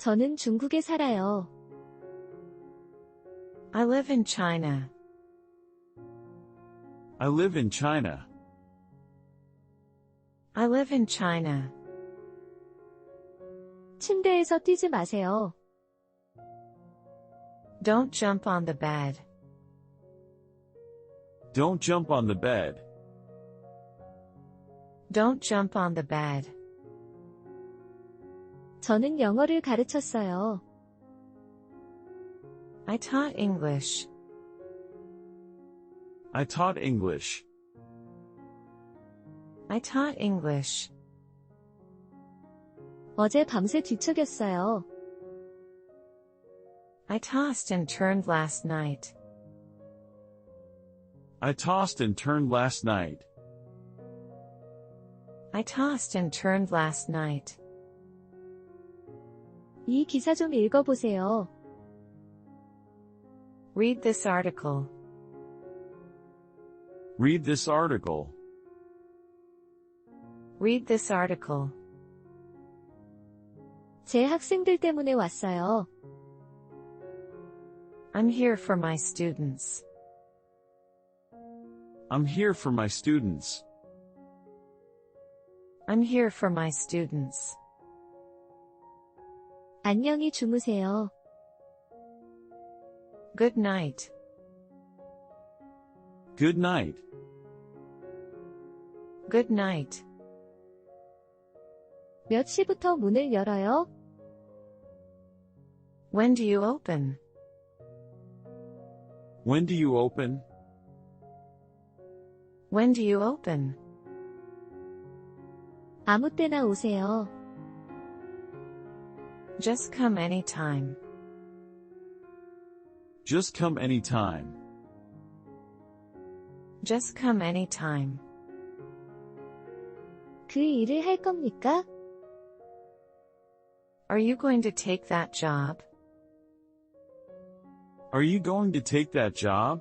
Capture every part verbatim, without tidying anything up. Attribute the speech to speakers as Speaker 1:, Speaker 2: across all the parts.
Speaker 1: 저는 중국에 살아요.
Speaker 2: I live in China.
Speaker 3: I live in China.
Speaker 2: I live in China.
Speaker 1: 침대에서 뛰지 마세요.
Speaker 2: Don't jump on the bed.
Speaker 3: Don't jump on the bed.
Speaker 2: Don't jump on the bed.
Speaker 1: 저는 영어를 가르쳤어요.
Speaker 2: I taught English.
Speaker 3: I taught English.
Speaker 2: I taught English.
Speaker 1: 어제 밤새 뒤척였어요.
Speaker 2: I tossed and turned last night.
Speaker 3: I tossed and turned last night.
Speaker 2: I tossed and turned last night.
Speaker 1: 이 기사 좀 읽어보세요.
Speaker 2: Read this article.
Speaker 3: Read this article.
Speaker 2: Read this article.
Speaker 1: 제 학생들 때문에 왔어요.
Speaker 2: I'm here for my students.
Speaker 3: I'm here for my students.
Speaker 2: I'm here for my students.
Speaker 1: 안녕히 주무세요.
Speaker 2: Good night.
Speaker 3: Good night.
Speaker 2: Good night.
Speaker 1: 몇 시부터 문을 열어요?
Speaker 2: When do you open?
Speaker 3: When do you open?
Speaker 2: When do you open?
Speaker 1: 아무 때나 오세요.
Speaker 2: Just come anytime.
Speaker 3: Just come anytime.
Speaker 2: Just come anytime.
Speaker 1: 그 일을 할 겁니까?
Speaker 2: Are you going to take that job?
Speaker 3: Are you going to take that job?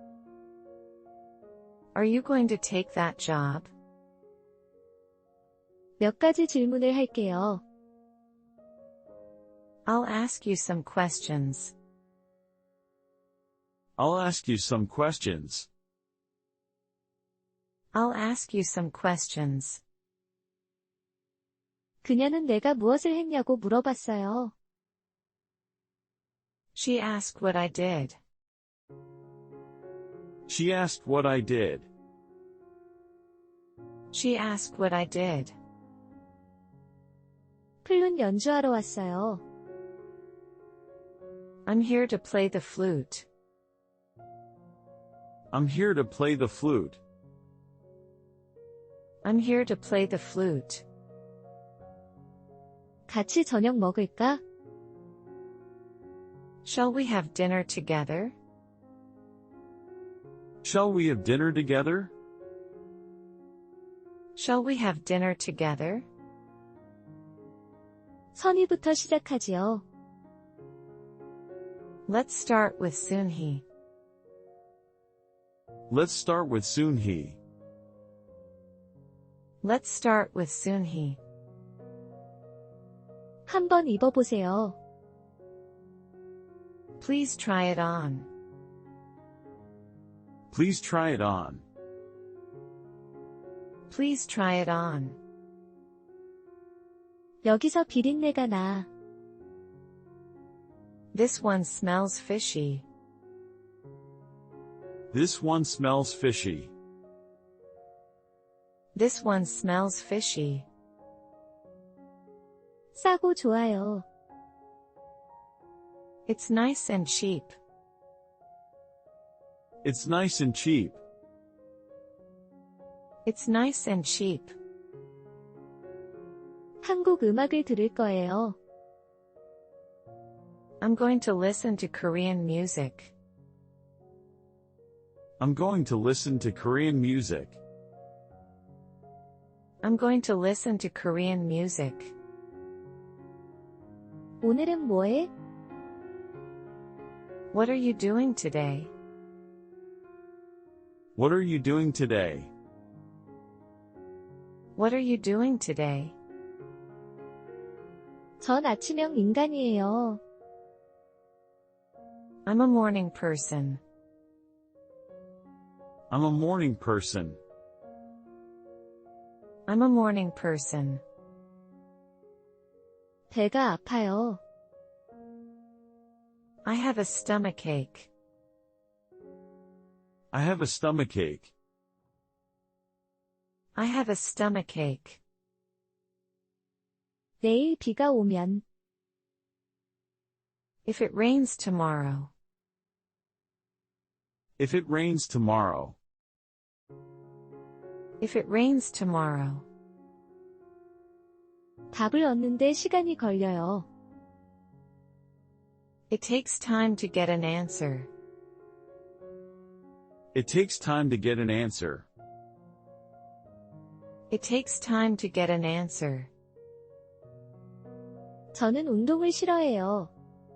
Speaker 2: Are you going to take that job?
Speaker 1: 몇 가지 질문을 할게요.
Speaker 2: I'll ask you some questions.
Speaker 3: I'll ask you some questions.
Speaker 2: I'll ask you some questions.
Speaker 1: 그녀는 내가 무엇을 했냐고 물어봤어요.
Speaker 2: She asked what I did.
Speaker 3: She asked what I did.
Speaker 2: She asked what I did.
Speaker 1: 플룻 연주하러 왔어요.
Speaker 2: I'm here to play the flute.
Speaker 3: I'm here to play the flute.
Speaker 2: I'm here to play the flute.
Speaker 1: 같이 저녁 먹을까?
Speaker 2: Shall we have dinner together?
Speaker 3: Shall we have dinner together?
Speaker 2: Shall we have dinner together?
Speaker 1: 선희부터 시작하지요.
Speaker 2: Let's start with Soon-hee.
Speaker 3: Let's start with Soon-hee.
Speaker 2: Let's start with Soon-hee.
Speaker 1: 한번 입어보세요.
Speaker 2: Please try it on.
Speaker 3: Please try it on.
Speaker 2: Please try it on.
Speaker 1: 여기서 비린내가 나.
Speaker 2: This one smells fishy.
Speaker 3: This one smells fishy.
Speaker 2: This one smells fishy.
Speaker 1: 싸고 좋아요.
Speaker 2: It's nice and cheap.
Speaker 3: It's nice and cheap.
Speaker 2: It's nice and cheap.
Speaker 1: 한국 음악을 들을 거예요.
Speaker 2: I'm going to listen to Korean music.
Speaker 3: I'm going to listen to Korean music.
Speaker 2: I'm going to listen to Korean music.
Speaker 1: 오늘은 뭐해?
Speaker 2: What are you doing today?
Speaker 3: What are you doing today?
Speaker 2: What are you doing today?
Speaker 1: 전 아침형 인간이에요.
Speaker 2: I'm a morning person.
Speaker 3: I'm a morning person.
Speaker 2: I'm a morning person.
Speaker 1: 배가 아파요.
Speaker 2: I have a stomachache.
Speaker 3: I have a stomachache.
Speaker 2: I have a stomachache.
Speaker 1: 내일 비가 오면
Speaker 2: If it rains tomorrow.
Speaker 3: If it rains tomorrow.
Speaker 2: If it rains tomorrow.
Speaker 1: 답을 얻는데 시간이 걸려요.
Speaker 2: It takes time to get an answer.
Speaker 3: It takes time to get an answer.
Speaker 2: It takes time to get an answer.
Speaker 1: 저는 운동을 싫어해요.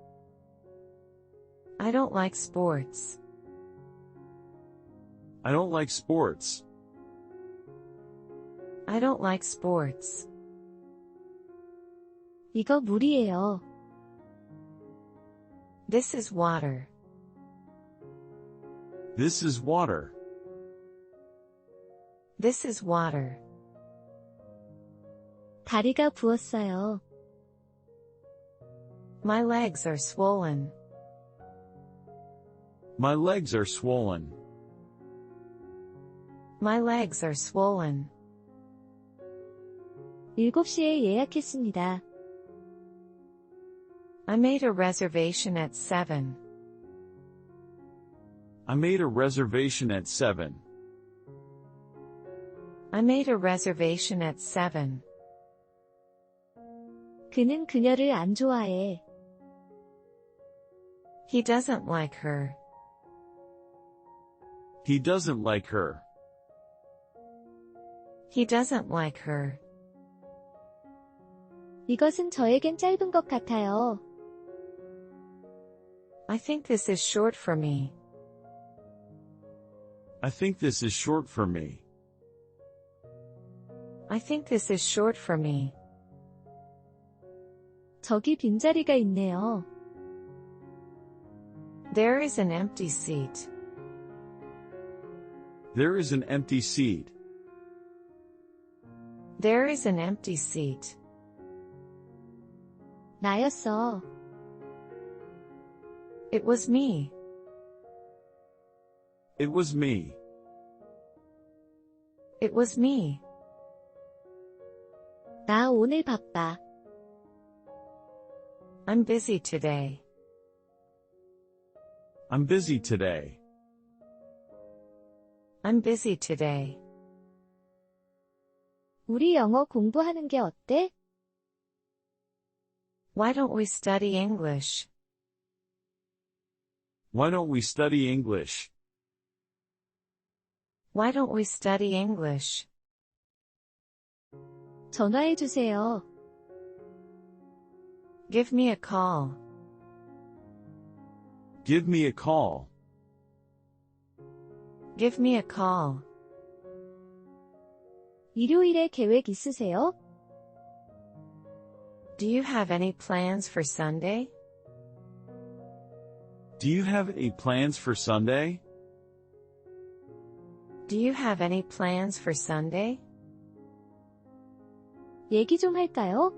Speaker 2: I don't like sports.
Speaker 3: I don't like sports.
Speaker 2: I don't like sports.
Speaker 1: 이거 물이에요.
Speaker 2: This is water.
Speaker 3: This is water.
Speaker 2: This is water.
Speaker 1: 다리가 부었어요.
Speaker 2: My legs are swollen.
Speaker 3: My legs are swollen.
Speaker 2: My legs are swollen.
Speaker 1: 일곱 시에 예약했습니다.
Speaker 2: I made a reservation at seven.
Speaker 3: I made a reservation at seven.
Speaker 2: I made a reservation at seven.
Speaker 1: 그는 그녀를 안 좋아해.
Speaker 2: He doesn't like her.
Speaker 3: He doesn't like her.
Speaker 2: He doesn't like her.
Speaker 1: 이것은 저에겐 짧은 것 같아요.
Speaker 2: I think this is short for me.
Speaker 3: I think this is short for me.
Speaker 2: I think this is short for me.
Speaker 1: 저기 빈자리가 있네요.
Speaker 2: There is an empty seat.
Speaker 3: There is an empty seat.
Speaker 2: There is an empty seat.
Speaker 1: 나였어.
Speaker 2: It was me.
Speaker 3: It was me.
Speaker 2: It was me.
Speaker 1: 나 오늘 바빠.
Speaker 2: I'm busy today.
Speaker 3: I'm busy today.
Speaker 2: I'm busy today.
Speaker 1: 우리 영어 공부하는 게 어때?
Speaker 2: Why don't we study English?
Speaker 3: Why don't we study English?
Speaker 2: Why don't we study English?
Speaker 1: 전화해 주세요.
Speaker 2: Give me a call.
Speaker 3: Give me a call.
Speaker 2: Give me a call.
Speaker 1: 일요일에 계획 있으세요?
Speaker 2: Do you have any plans for Sunday?
Speaker 3: Do you have any plans for Sunday?
Speaker 2: Do you have any plans for Sunday?
Speaker 1: 얘기 좀 할까요?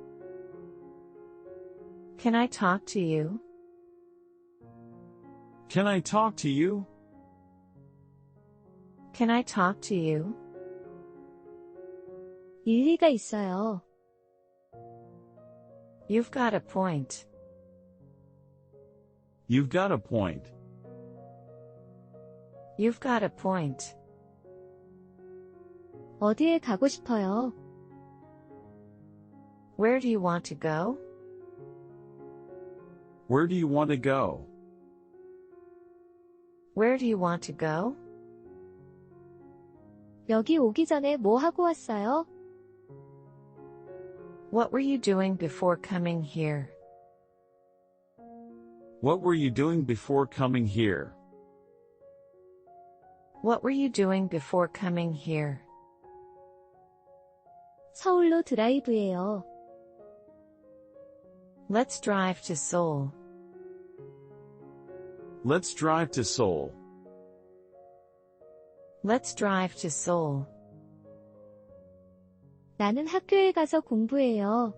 Speaker 2: Can I talk to you?
Speaker 3: Can I talk to you?
Speaker 2: Can I talk to you?
Speaker 1: 일리가 있어요.
Speaker 2: You've got a point.
Speaker 3: You've got a point.
Speaker 2: You've got a point.
Speaker 1: 어디에 가고 싶어요?
Speaker 2: Where do you want to go?
Speaker 3: Where do you want to go?
Speaker 2: Where do you want to go?
Speaker 1: 여기 오기 전에 뭐 하고 왔어요?
Speaker 2: What were you doing before coming here?
Speaker 3: What were you doing before coming here?
Speaker 2: What were you doing before coming here?
Speaker 1: 서울로 드라이브예요.
Speaker 2: Let's drive to Seoul.
Speaker 3: Let's drive to Seoul.
Speaker 2: Let's drive to Seoul.
Speaker 1: 나는 학교에 가서 공부해요.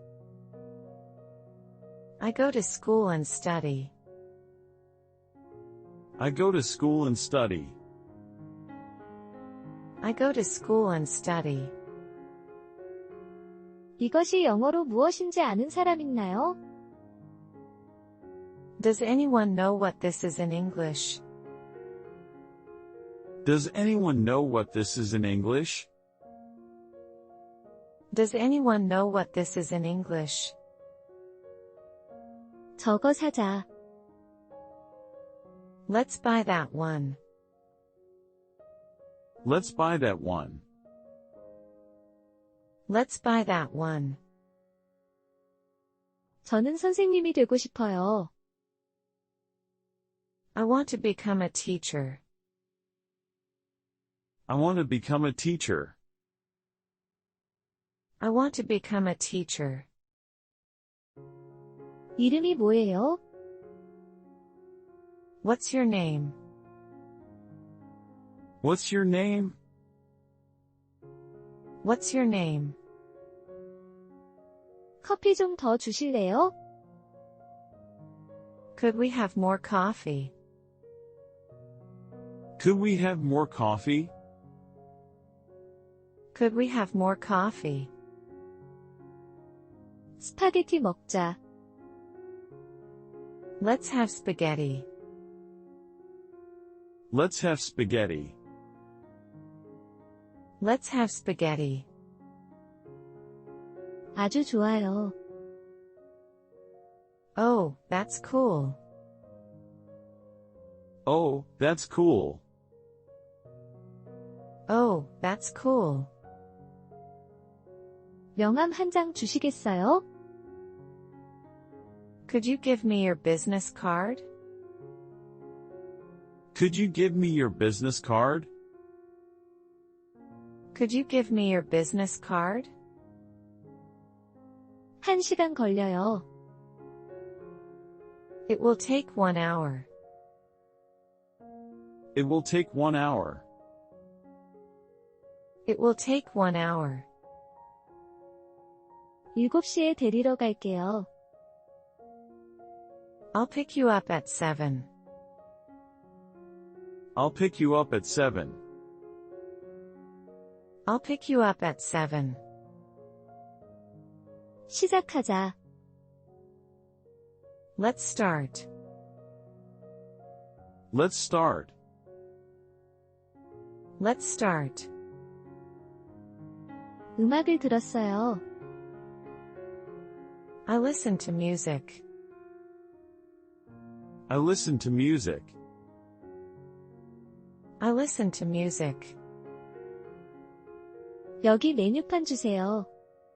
Speaker 2: I go to school and study.
Speaker 3: I go to school and study.
Speaker 2: I go to school and study.
Speaker 1: 이것이 영어로 무엇인지 아는 사람 있나요?
Speaker 2: Does anyone know what this is in English?
Speaker 3: Does anyone know what this is in English?
Speaker 2: Does anyone know what this is in English?
Speaker 1: 저거 사자.
Speaker 2: Let's buy that one.
Speaker 3: Let's buy that one.
Speaker 2: Let's buy that one.
Speaker 1: 저는 선생님이 되고 싶어요.
Speaker 2: I want to become a teacher.
Speaker 3: I want to become a teacher.
Speaker 2: I want to become a teacher.
Speaker 1: 이름이 뭐예요?
Speaker 2: What's your name?
Speaker 3: What's your name?
Speaker 2: What's your name?
Speaker 1: 커피 좀 더 주실래요?
Speaker 2: Could we have more coffee?
Speaker 3: Could we have more coffee?
Speaker 2: Could we have more coffee?
Speaker 1: 스파게티 먹자.
Speaker 2: Let's have spaghetti.
Speaker 3: Let's have spaghetti.
Speaker 2: Let's have spaghetti.
Speaker 1: 아주 좋아요.
Speaker 2: Oh, that's cool.
Speaker 3: Oh, that's cool.
Speaker 2: Oh, that's cool.
Speaker 1: 명함 한 장 주시겠어요?
Speaker 2: Could you give me your business card?
Speaker 3: Could you give me your business card?
Speaker 2: Could you give me your business card?
Speaker 1: 한 시간 걸려요.
Speaker 2: It will take one hour.
Speaker 3: It will take one hour.
Speaker 2: It will take one hour.
Speaker 1: 일곱 시에 데리러 갈게요.
Speaker 2: I'll pick you up at seven.
Speaker 3: I'll pick you up at seven.
Speaker 2: I'll pick you up at seven.
Speaker 1: 시작하자.
Speaker 2: Let's start.
Speaker 3: Let's start.
Speaker 2: Let's start.
Speaker 1: 음악을 들었어요.
Speaker 2: I listen to music.
Speaker 3: I listen to music.
Speaker 2: I listen to music.
Speaker 1: 여기 메뉴판 주세요.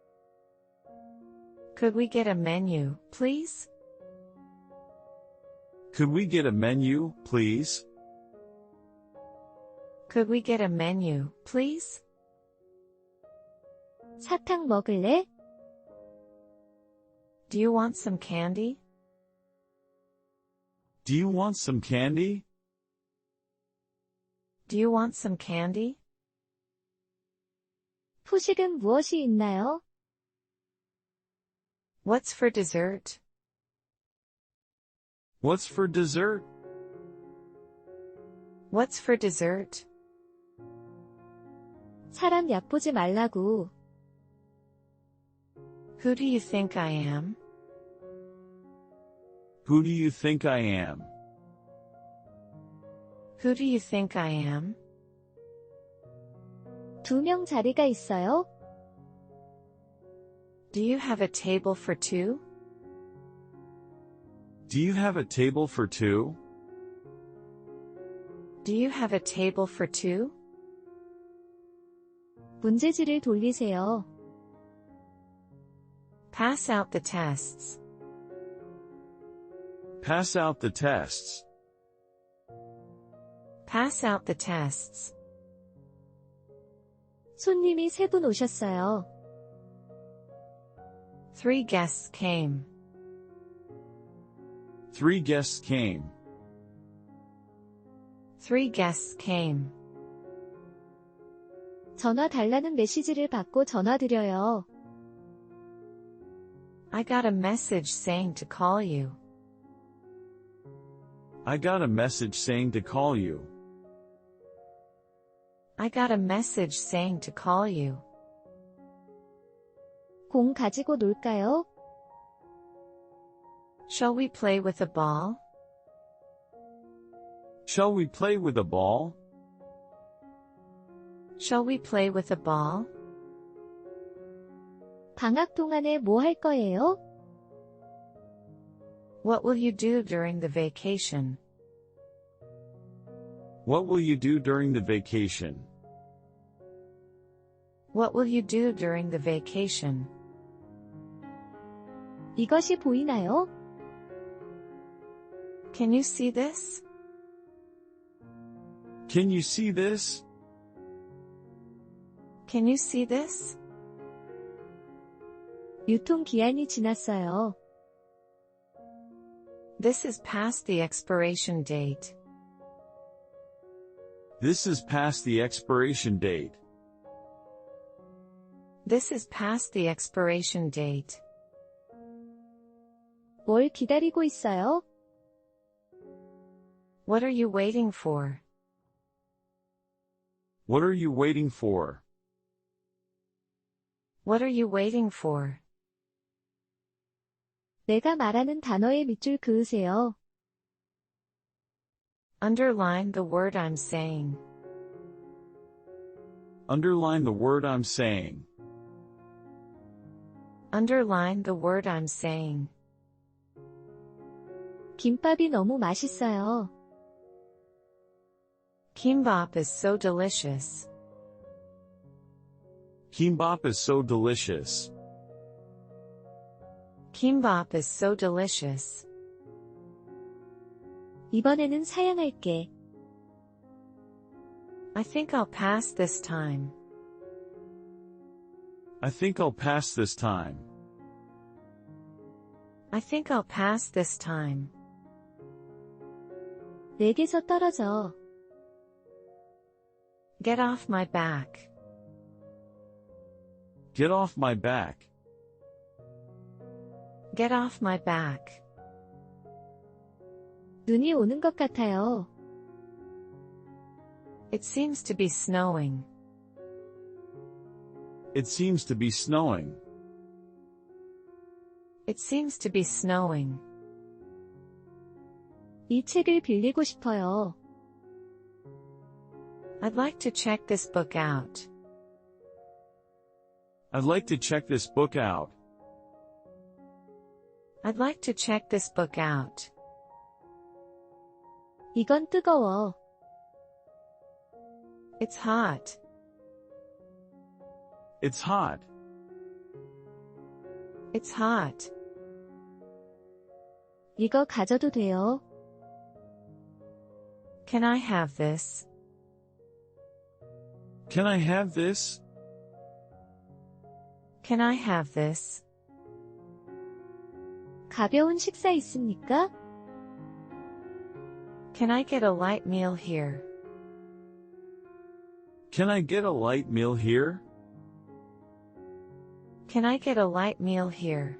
Speaker 2: Could we get a menu, please?
Speaker 3: Could we get a menu, please?
Speaker 2: Could we get a menu, please?
Speaker 1: 사탕 먹을래?
Speaker 2: Do you want some candy?
Speaker 3: Do you want some candy?
Speaker 2: Do you want some candy?
Speaker 1: 후식은 무엇이 있나요?
Speaker 2: What's for dessert?
Speaker 3: What's for dessert?
Speaker 2: What's for dessert?
Speaker 1: 사람 얕보지 말라고.
Speaker 2: Who do you think I am?
Speaker 3: Who do you think I am?
Speaker 2: Who do you think I am?
Speaker 1: 두 명 자리가 있어요?
Speaker 2: Do you have a table for two?
Speaker 3: Do you have a table for two?
Speaker 2: Do you have a table for two?
Speaker 1: 문제지를 돌리세요.
Speaker 2: Pass out the tests.
Speaker 3: Pass out the tests.
Speaker 2: Pass out the tests.
Speaker 1: 손님이 세 분 오셨어요.
Speaker 2: Three guests came.
Speaker 3: Three guests came.
Speaker 2: Three guests came.
Speaker 1: 전화 달라는 메시지를 받고 전화 드려요.
Speaker 2: I got a message saying to call you.
Speaker 3: I got a message saying to call you.
Speaker 2: I got a message saying to call you.
Speaker 1: 공 가지고 놀까요?
Speaker 2: Shall we play with a ball?
Speaker 3: Shall we play with a ball?
Speaker 2: Shall we play with a ball?
Speaker 1: 방학 동안에 뭐 할 거예요?
Speaker 2: What will you do during the vacation?
Speaker 3: What will you do during the vacation?
Speaker 2: What will you do during the vacation?
Speaker 1: 이것이 보이나요?
Speaker 2: Can you see this?
Speaker 3: Can you see this?
Speaker 2: Can you see this?
Speaker 1: 유통기한이 지났어요.
Speaker 2: This is past the expiration date.
Speaker 3: This is past the expiration date.
Speaker 2: This is past the expiration date.
Speaker 1: 뭘 기다리고 있어요?
Speaker 2: What are you waiting for?
Speaker 3: What are you waiting for?
Speaker 2: What are you waiting for?
Speaker 1: 내가 말하는 단어에 밑줄 그으세요.
Speaker 2: Underline the word I'm saying.
Speaker 3: Underline the word I'm saying.
Speaker 2: Underline the word I'm saying.
Speaker 1: 김밥이 너무 맛있어요.
Speaker 2: Kimbap is so delicious.
Speaker 3: Kimbap is so delicious.
Speaker 2: Kimbap is so delicious.
Speaker 1: 이번에는 사양할게.
Speaker 2: I think I'll pass this time.
Speaker 3: I think I'll pass this time.
Speaker 2: I think I'll pass this time.
Speaker 1: 내게서 떨어져.
Speaker 2: Get off my back.
Speaker 3: Get off my back.
Speaker 2: Get off my back.
Speaker 1: 눈이 오는 것 같아요.
Speaker 2: It seems to be snowing.
Speaker 3: It seems to be snowing.
Speaker 2: It seems to be snowing.
Speaker 1: 이 책을 빌리고 싶어요.
Speaker 2: I'd like to check this book out.
Speaker 3: I'd like to check this book out.
Speaker 2: I'd like to check this book out.
Speaker 1: 이건 뜨거워.
Speaker 2: It's hot.
Speaker 3: It's hot.
Speaker 2: It's hot.
Speaker 1: 이거 가져도 돼요.
Speaker 2: Can I have this?
Speaker 3: Can I have this?
Speaker 2: Can I have this?
Speaker 1: 가벼운 식사 있습니까?
Speaker 2: Can I get a light meal here?
Speaker 3: Can I get a light meal here?
Speaker 2: Can I get a light meal here?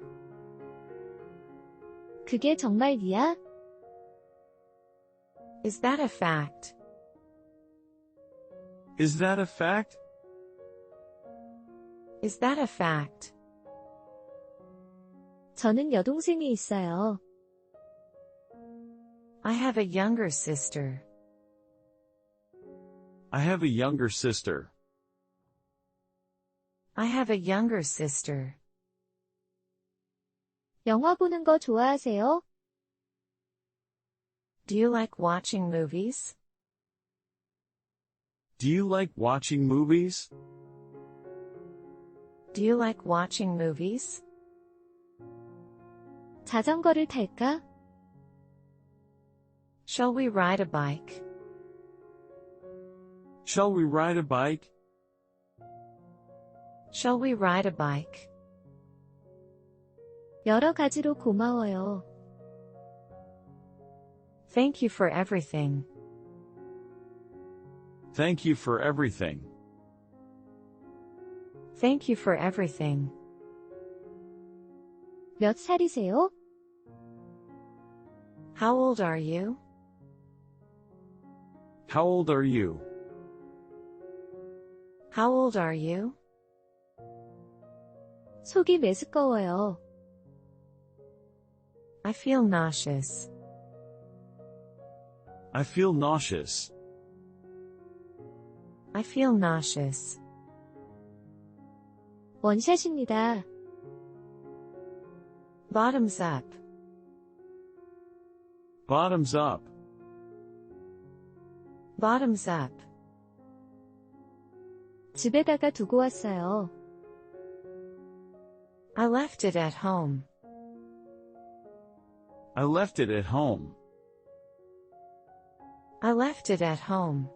Speaker 1: 그게 정말이야?
Speaker 2: Is that a fact?
Speaker 3: Is that a fact?
Speaker 2: Is that a fact?
Speaker 1: 저는 여동생이 있어요.
Speaker 2: I have a younger sister.
Speaker 3: I have a younger sister.
Speaker 2: I have a younger sister.
Speaker 1: 영화 보는 거 좋아하세요?
Speaker 2: Do you like watching movies?
Speaker 3: Do you like watching movies?
Speaker 2: Do you like watching movies?
Speaker 1: 자전거를 탈까?
Speaker 2: Shall we ride a bike?
Speaker 3: Shall we ride a bike?
Speaker 2: Shall we ride a bike?
Speaker 1: 여러 가지로 고마워요.
Speaker 2: Thank you for everything.
Speaker 3: Thank you for everything.
Speaker 2: Thank you for everything.
Speaker 1: 몇 살이세요?
Speaker 2: How old are you?
Speaker 3: How old are you?
Speaker 2: How old are you?
Speaker 1: 속이 메스꺼워요.
Speaker 2: I feel nauseous.
Speaker 3: I feel nauseous.
Speaker 2: I feel nauseous.
Speaker 1: 원샷입니다.
Speaker 2: Bottoms up.
Speaker 3: Bottoms up.
Speaker 2: Bottoms up.
Speaker 1: 집에다가 두고 왔어요.
Speaker 2: I left it at home.
Speaker 3: I left it at home.
Speaker 2: I left it at home.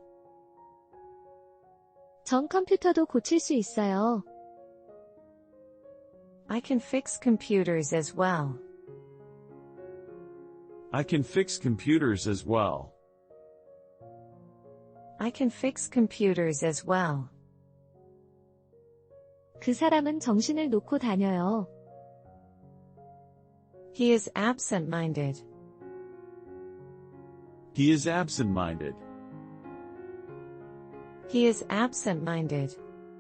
Speaker 1: 전 컴퓨터도 고칠 수 있어요.
Speaker 2: I can fix computers as well.
Speaker 3: I can fix computers as well.
Speaker 2: I can fix computers as well.
Speaker 1: 그 사람은 정신을 놓고 다녀요.
Speaker 2: He is absent-minded.
Speaker 3: He is absent-minded.
Speaker 2: He is absent-minded.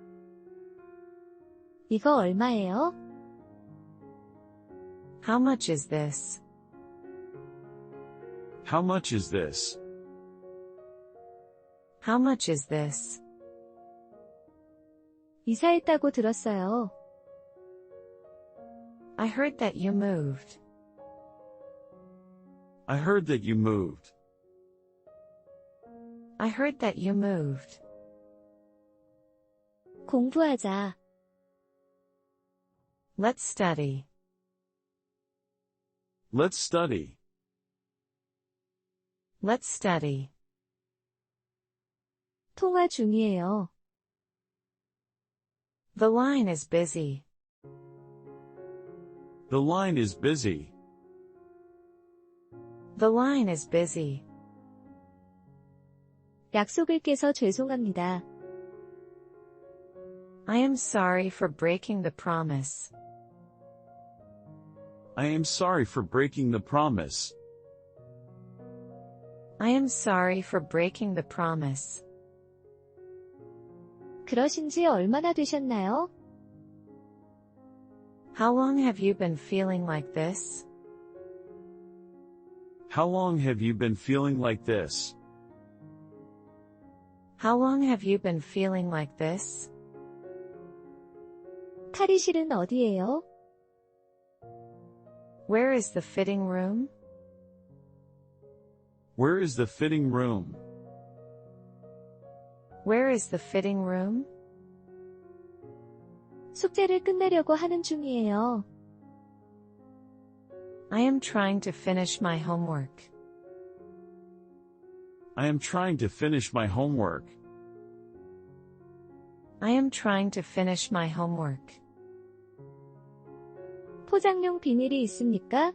Speaker 1: 이거 얼마예요?
Speaker 2: How much is this?
Speaker 3: How much is this?
Speaker 2: How much is this?
Speaker 1: 이사했다고 들었어요.
Speaker 2: I heard that you moved.
Speaker 3: I heard that you moved.
Speaker 2: I heard that you moved.
Speaker 1: 공부하자.
Speaker 2: Let's study.
Speaker 3: Let's study.
Speaker 2: Let's study.
Speaker 1: 통화 중이에요.
Speaker 2: The line is busy.
Speaker 3: The line is busy.
Speaker 2: The line is busy.
Speaker 1: 약속을 깨서 죄송합니다.
Speaker 2: I am sorry for breaking the promise.
Speaker 3: I am sorry for breaking the promise.
Speaker 2: I am sorry for breaking the promise.
Speaker 1: 그러신 지 얼마나 되셨나요?
Speaker 2: How long have you been feeling like this?
Speaker 3: How long have you been feeling like this?
Speaker 2: How long have you been feeling like this?
Speaker 1: 탈의실은 어디예요?
Speaker 2: Where is the fitting room?
Speaker 3: Where is the fitting room?
Speaker 2: Where is the fitting room?
Speaker 1: 숙제를 끝내려고 하는 중이에요.
Speaker 2: I am trying to finish my homework.
Speaker 3: I am trying to finish my homework.
Speaker 2: I am trying to finish my homework.
Speaker 1: 포장용 비닐이 있습니까?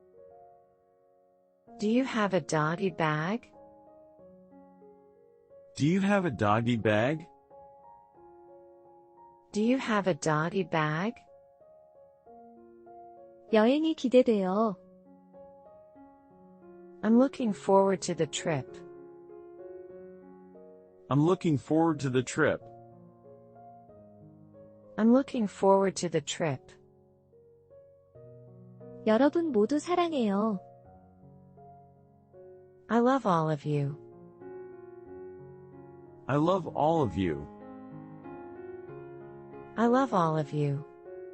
Speaker 2: Do you have a doggy bag?
Speaker 3: Do you have a doggy bag?
Speaker 2: Do you have a doggy bag?
Speaker 1: 여행이 기대돼요.
Speaker 2: I'm looking forward to the trip.
Speaker 3: I'm looking forward to the trip.
Speaker 2: I'm looking forward to the trip.
Speaker 1: 여러분 모두 사랑해요.
Speaker 2: I love all of you.
Speaker 3: I love all of you.
Speaker 2: I love all of you.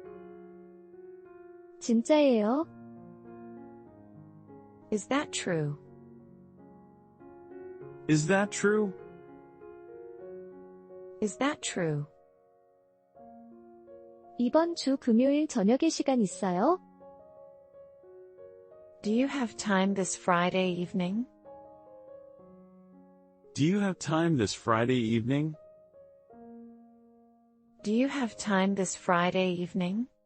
Speaker 1: 진짜예요?
Speaker 2: Is that true?
Speaker 3: Is that true?
Speaker 2: Is that true?
Speaker 1: 이번 주 금요일 저녁에 시간 있어요?
Speaker 2: Do you have time this Friday evening?
Speaker 3: Do you have time this Friday evening?
Speaker 2: Do you have time this Friday evening?